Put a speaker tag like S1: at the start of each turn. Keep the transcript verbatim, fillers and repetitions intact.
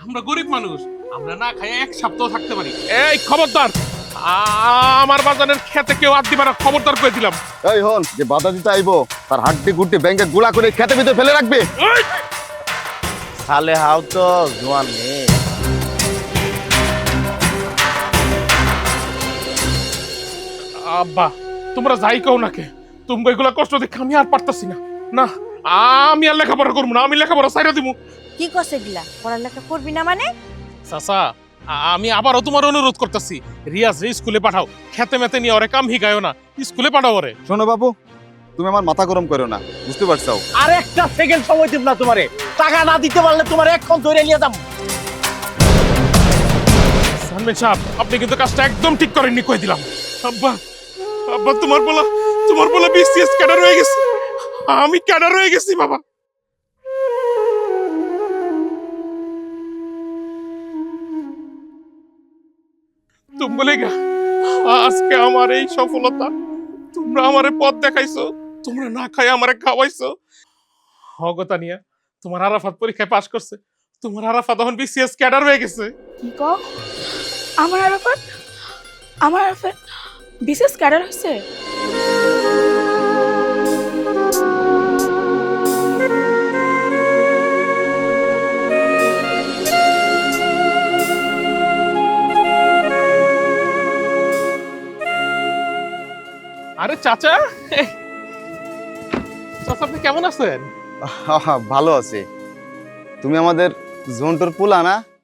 S1: আমরা গরিব মানুষ, আমরা না খাই এক সপ্তাহ থাকতে পারি। এই খবরদার, আ- আমার বাজারের খেতে কেউ হাত দিবে না, খবরদার করে দিলাম।
S2: এই হন যে বাধা দিতে আইবো তার হাড্ডি গুড্ডি ব্যাংকে গুলা করে খেতে ভিতরে ফেলে রাখবে।
S1: এই!
S3: সালে হাও তো জোয়ান মেয়ে।
S1: আব্বা, তোমরা যাই কও নাকে, তোমরা এগুলা কষ্ট দেখে আমি আর পারতাছি না। না, আমি আর লেখাপড়া করবো না, আমি লেখাপড়া ছাইরা দিব।
S4: কি করছে গিলা পড়ালেখা করবি না মানে?
S1: চাচা, আ- আমি আবারও তোমার অনুরোধ করতেছি, রিয়াজ রে স্কুলে পাঠাও। খেতে মেতে নিয়ে ওরে কাম হিগায়ও না, স্কুলে পাঠাও ওরে।
S2: শোনো বাবু, তুমি আমার মাথা গরম করো না, বুঝতে পারছো?
S3: আর একটা সেকেন্ড সময় দিব না তোমারে। টাকা না দিতে পারলে তোমার এখন ধরে নিয়ে যাবো।
S1: সানমেন সাহেব, আপনি কিন্তু কাজটা একদম ঠিক করেননি, কই দিলাম। আব্বা, আব্বা, তোমার বলা তোমার বলা বিসিএস ক্যাডার হয়ে গেছে, আমি ক্যাডার হয়ে গেছি বাবা। তুমি বলে গা, আজকে আমার এই সফলতা, তোমরা আমারে পথ দেখাইছো, তোমরা না খাই আমারে খাওয়াইছো। হগতা নিয়া তোমার আরাফাত পরীক্ষায় পাশ করছে, তোমার আরাফাত এখন বিসিএস ক্যাডার হয়ে গেছে।
S5: কি কও? আমার আরাফাত আমার আরাফাত বিশেষ ক্যাডার হয়েছে?
S1: আরে চাচা, চাচা আপনি কেমন আছেন?
S2: আহা, ভালো আছে। তুমি আমাদের জন্টুর পোলা না?